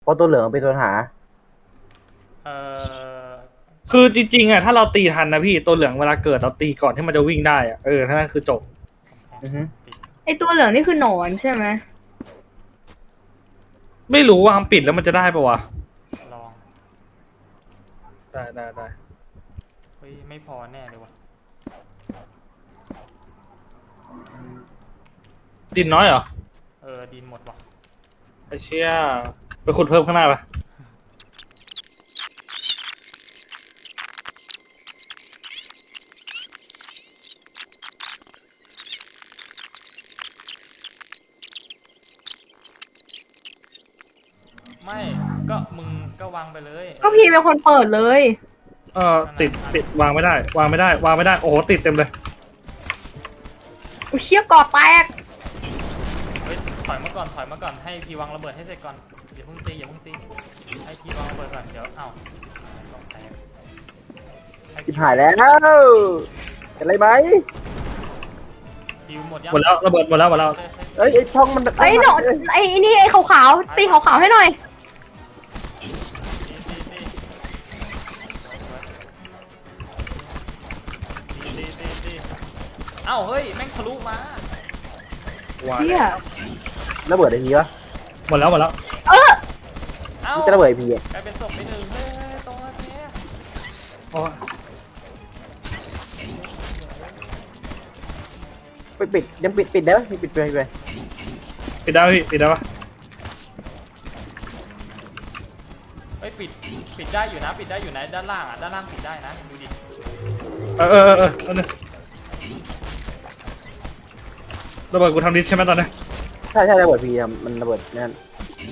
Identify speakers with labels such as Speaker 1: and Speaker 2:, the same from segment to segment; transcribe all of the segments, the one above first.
Speaker 1: เพราะตัวเหลืองเป็นตัวหา
Speaker 2: เออ
Speaker 3: คือจริงๆอ่ะถ้าเราตีทันนะพี่ตัวเหลืองเวลาเกิดเราตีก่อนที่มันจะวิ่งได้อ่ะถ้านั่นคือจบ
Speaker 1: อือฮึ
Speaker 4: ไอตัวเหลืองนี่คือหนอนใช่ไหม
Speaker 3: ไม่รู้ว่าทำปิดแล้วมันจะได้ปะวะ
Speaker 2: ลอง
Speaker 3: ได้
Speaker 2: เฮ้ยไม่พอแน่เลยวะ
Speaker 3: ดินน้อยเหรอ
Speaker 2: ดินหมดวะ
Speaker 3: ไอ้เชี่ยไปขุดเพิ่มข้างหน้าปะ
Speaker 2: ไม่ก็มึงก็วางไปเลย
Speaker 4: ก็พี่เป็นคนเปิดเลย
Speaker 3: ติดวางไม่ได้วางไม่ได้โอ้โหติดเต็มเลย
Speaker 4: อุยเชี่ยกอแตก
Speaker 2: เฮ้ยถอยมาก่อนให้พี่วางระเบิดให้เสร็จก่อนอย่าเพิ่งตีให้พี่วางระเบิดก่อนเดี๋ยวต้องแตกให้
Speaker 1: ชิบหายแล้วเป็นไรไหม
Speaker 2: พี่หมดยัง
Speaker 3: หมดแล้วระเบิดหมดแล้ว
Speaker 1: เอ้ยไอ้ช่องมัน
Speaker 4: ไอหนอนไอนี่ไอขาวๆตีขาวๆให้หน่อย
Speaker 2: ตีเอ้าเฮ้ยแม่งทะลุมา
Speaker 4: เชี่ย
Speaker 1: ระเบิดไอ้พีวะ
Speaker 3: หมดแล้ว
Speaker 4: เออ
Speaker 2: เอ้า
Speaker 1: มันจะระเบิดไอ้พีอ่ะ
Speaker 2: กลายเป็นศพไปหนึ่งเฮ้ยตรงนั้นเนี่ย
Speaker 3: โอ้ย
Speaker 1: ปิดยังปิดได้ไหมปิดไป
Speaker 3: ปิดได้พี่ปิดได้ปะ
Speaker 2: เฮ้ยปิดได้อยู่นะด้านล่างด้านล่างปิดได้นะดูดิ
Speaker 3: เอาหนึ่งระเบิดกูทำดิสใช่ไหมตอนนี้
Speaker 1: ใช่ระเบิดพีอะมันระเบิดนั่น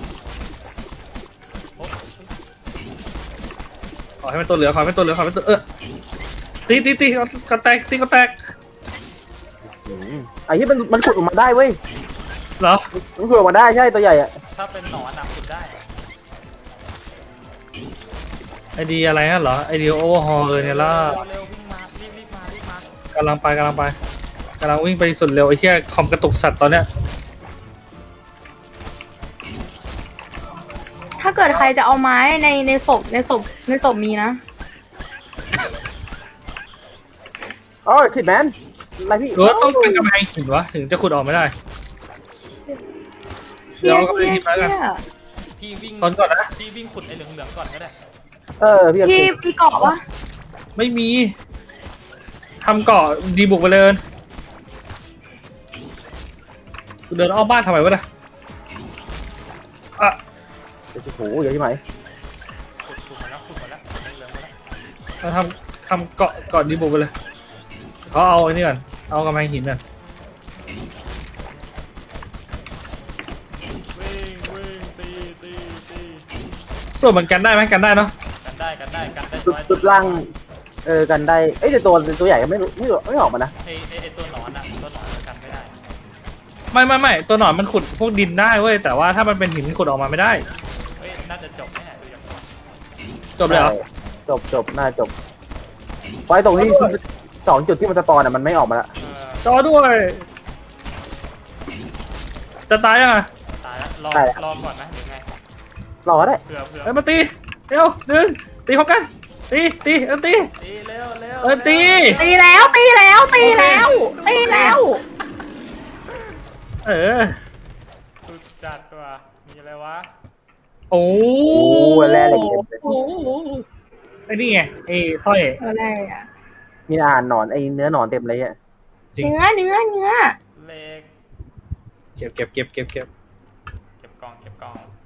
Speaker 2: โอ้
Speaker 3: ขอให้มันตัวเหลือตีก็แตก
Speaker 1: ไอ้ที่มันขุดออกมาได้เว้ย
Speaker 3: เหรอ
Speaker 1: มันขุดออกมาได้ใช่ตัวใหญ่อ่ะ
Speaker 2: ถ้าเป็นหนอนขุดได้
Speaker 3: ไอเดียอะไรฮะเหรอไอเดียโอเวอร์ฮอลเนี่ยล่ะ
Speaker 2: เร็ววิ่งมารีบมาก
Speaker 3: ำลังวิ่งไปสุดเร็วไอ้เหี้ยคอมกระตุกสัตว์ตอนเนี้ย
Speaker 4: ถ้าเกิดใครจะเอาไม้ในศพมีนะ
Speaker 1: อ๋อชิดแมนอะไรพี่
Speaker 3: หรือว่าต้องเป็นกำแพงหินวะถึงจะขุดออกไม่ได้
Speaker 4: เชี่ย
Speaker 3: เดี๋ยวเอากำแพงหินไปกัน
Speaker 2: พี่วิ่ง
Speaker 3: ตอนก่อนนะ
Speaker 2: พี่วิ่งขุดไอ้เหลืองๆก่อนก็ได้
Speaker 1: พี่
Speaker 4: พี่เกาะวะ
Speaker 3: ไม่มีทำเกาะดีบุกไปเลยกูเดินอ้อมบ้านทำไมวะเนี่ยอ่ะ
Speaker 1: โอ้โหเยอะที่ไหน
Speaker 2: ขุดมาแล้วเหลืองมาแล้ว
Speaker 3: เราทำเกาะดีบุกไปเลยเขาเอาไอ้นี่ก่อนเอากำแพงหินก่อน
Speaker 2: วิ่งตี
Speaker 3: ส่วนมันกันได้ไหมกันได้เนาะ
Speaker 2: กันได้
Speaker 1: จุดล่างกันได้เอ้ยแต่ตัวใหญ่ก็ไม่ออกมานะ
Speaker 2: ไอ้ตัวหนอนกันไม่ได้
Speaker 3: ไม่ตัวหนอนมันขุดพวกดินได้เว้ยแต่ว่าถ้ามันเป็นหินขุดออกมาไม่ได้
Speaker 2: เฮ้ยน่าจะจบแน่ดูอย่างนี้
Speaker 3: จบเลยเหรอ
Speaker 1: จบน่าจบไว้ตรงที่2 จุดที่มันสปอนอ่ะมันไม่ออกมาละ
Speaker 3: จอด้วยจะตายยังไง
Speaker 2: ตายแล้วรอก่อนนะหรือไง
Speaker 1: รอได้
Speaker 2: เผื่อ
Speaker 3: เอ้ยมาตีเร็วตีพร้อมกันตีตี
Speaker 2: ตีเร็ว
Speaker 3: ตี
Speaker 4: ตีแล้ว
Speaker 2: สุดจัดว่ะมีอะไรวะ
Speaker 3: โอ้
Speaker 1: แร่เหล็กเต็มเลย
Speaker 3: โอ้ไอ้นี่ไงไอ้สร้อย
Speaker 4: อะไรอะ
Speaker 1: มีอาหารหนอนไอ้เนื้อหนอนเต็มเลยอ่ะ
Speaker 3: จริง
Speaker 4: เนื้อ
Speaker 2: เล็ก
Speaker 3: เก็บ
Speaker 2: เก็บกล่อง